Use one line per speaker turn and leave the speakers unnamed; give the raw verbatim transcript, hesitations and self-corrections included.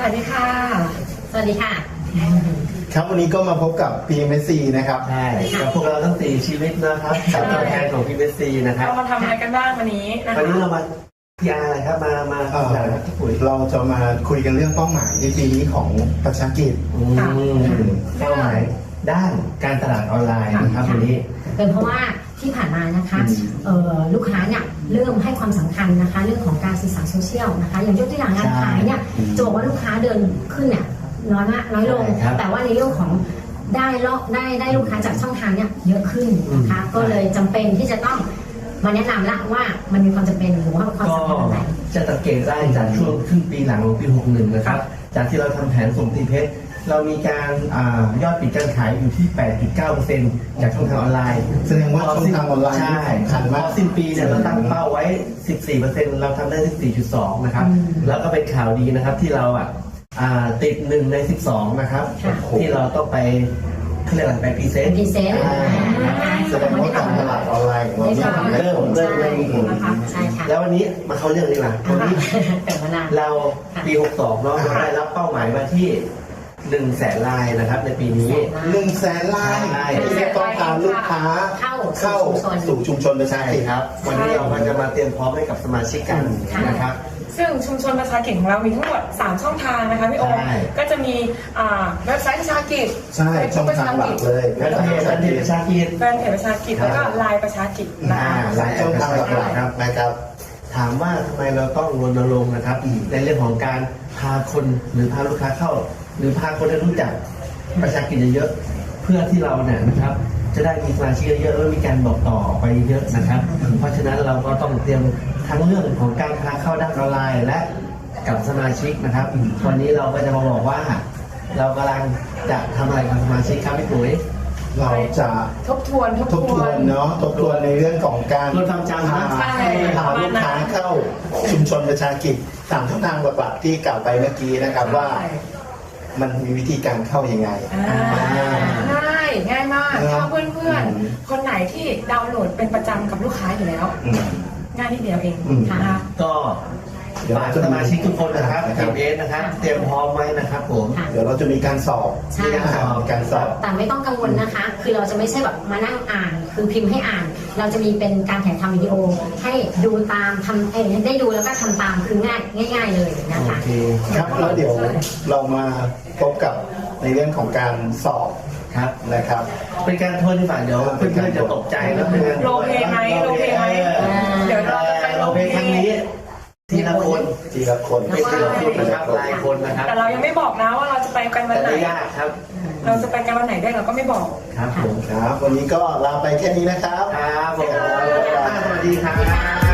วัสดีค่ะสวัสดีค่ะ
ครับวันนี้ก็มาพบกับ พี เอ็ม เอส ซี นะครับ
ใช่กับพวกเราทั้งสี่ชีวิตนะครับกับตัวแทนของ พี เอ็ม เอส ซี นะครับ
เรามาทำอะไรกันบ้างวันนี้นะคะ
วันนี้เรามาพีอาร์อะไรครับมามาจากที่ปุ๋ย
เราจะมาคุยกันเรื่องเป้าหมายในปีนี้ของประชากิจ
เป้าหมายด้านการตลาดออนไลน์นะครับวันนี้
เป็นเพราะว่าที่ผ่านมานะคะลูกค้าเนี่ยเริ่มให้ความสำคัญนะคะเรื่องของการสื่อสารโซเชียลนะคะอย่างยกตัวอย่างงานขายเนี่ยจะบอกว่าลูกค้าเดินขึ้นเนี่ยน้อยมากน้อยลงแต่ว่าในเรื่องของได้ลอกได้ได้ลูกค้าจากช่องทางเนี่ยเยอะขึ้นนะคะก็เลยจำเป็นที่จะต้องมาแนะนำละว่ามันมีความจำเป็นหรือว่าความสำคัญอะไร
จะสังเกตได้จากช่วงครึ่งปีหลังของปีหกสิบเอ็ดนะครับจากที่เราทำแผนส่งตีเพชรเรามีการยอดปิดการขายอยู่ที่ แปดจุดเก้าเปอร์เซ็นต์ จากช่องทางออนไลน์
แสดงว่าช่องทางออนไลน์
ใช่
สำคัญมาก
สิ้นปีเนี่ยเราตั้งเป้าไว้ สิบสี่เปอร์เซ็นต์ เราทำได้ สิบสี่จุดสอง นะครับแล้วก็เป็นข่าวดีนะครับที่เราอ่ะติดหนึ่งในสิบสองนะครับที่เราต้องไปเขาเรียกอะไรไปพรีเซนต์
พรีเซนต์
แสดงว่าการตลาดออนไลน์ของเรา
เริ่มเริ่มเริ่มมีผลแล้ววันนี้มาเข้าเรื่องนี้ล่ะวันนี้เราปีหกสิบสองเนาะเราได้รับเป้าหมายมาที่หนึ่งแสนลายนะครับในปีนี้
หนึ่งแสนลายที่จะต้องพาลูกค้าเข้าสู่ชุมชนประชากิจ
ครับวันนี้เราจะมาเตรียมพร้อมให้กับสมาชิกกันนะครับ
ซึ่งชุมชนประชากิจของเรามีทั้งหมดสามช่องทางนะคะพี่โอมก็จะมีเว็บไซต์ประชากิจ
ใช่ช่องทางหลักเลย
แฟนเพจประชากิจ
แฟนเพจประชากิจแล้วก็ไลน์ประชากิจ
นะคะหลายช่องทางหลักครับนะครับ
ถามว่าทำไมเราต้องรณรงค์นะครับในเรื่องของการพาคนหรือพาลูกค้าเข้าหรือพาคนให้รู้จักประชากิจเยอะเพื่อที่เราเนี่ยนะครับจะได้มีสมาชิกเยอะแล้วมีการบอกต่อไปเยอะนะครับเพราะฉะนั้นเราก็ต้องเตรียมทั้งเรื่องของการพาเข้าด้านออนไลน์และกับสมาชิกนะครับวันนี้เราก็จะมาบอกว่าเรากำลังจะทำอะไรกับสมาชิกครับพี่ปุ๋ย
เราจะ
ทบทวน
ทบทวนเนาะทบทวนในเรื่องของการ
ลดความจำนะ
พาลูกค้าเข้าชุมชนประชากิจตามช่องทางหลักๆที่กล่าวไปเมื่อกี้นะครับว่ามันมีวิธีการเข้ายังไง
ง่ายง่ายมากถ้าเพื่อนๆคนไหนที่ดาวน์โหลดเป็นประจำกับลูกค้าอยู่แล้วง่ายนิดเดียวเองนะคะ
ก็ฝากสมาชิกทุกคนนะครับทีมเอสนะครับเตรียมพร้อมไว้นะครับผม
เดี๋ยวเราจะมีการสอบ
มี
การสอบการสอบ
แต่ไม่ต้องกังวลนะคะคือเราจะไม่ใช่แบบมานั่งอ่านคือพิมพ์ให้อ่านเราจะมีเป็นการถ่ายทำวิดีโอให้ดูตามทำเองได้ดูแล้วก็ทำตามคือง่ายง่ายๆเลยนะคะ
ครับแล้วเดี๋ยวเรามาพบกับในเรื่องของการสอบ
ครับ
นะครับ
เป็นการทวนที่ฝ่ายเดี๋ยวเพื่อนๆจะตกใจแล้วเป็นการ
โลเพไหมโลเพไหมเดี๋ยวเรา
จะโลเพครั้งนี้ทีละคน
ทีละคน
ไม่ทีละคนนะครับรายคนนะครับ
แต่เรายังไม่บอกนะว่าเราจะไปกันวันไหน
ยากครับ
เราจะไปกันวันไหนได้เราก็ไม่บอก
ครับผม
ครับวันนี้ก็ลาไปแค่นี้นะครับ
ครับผมสวัสดีครับ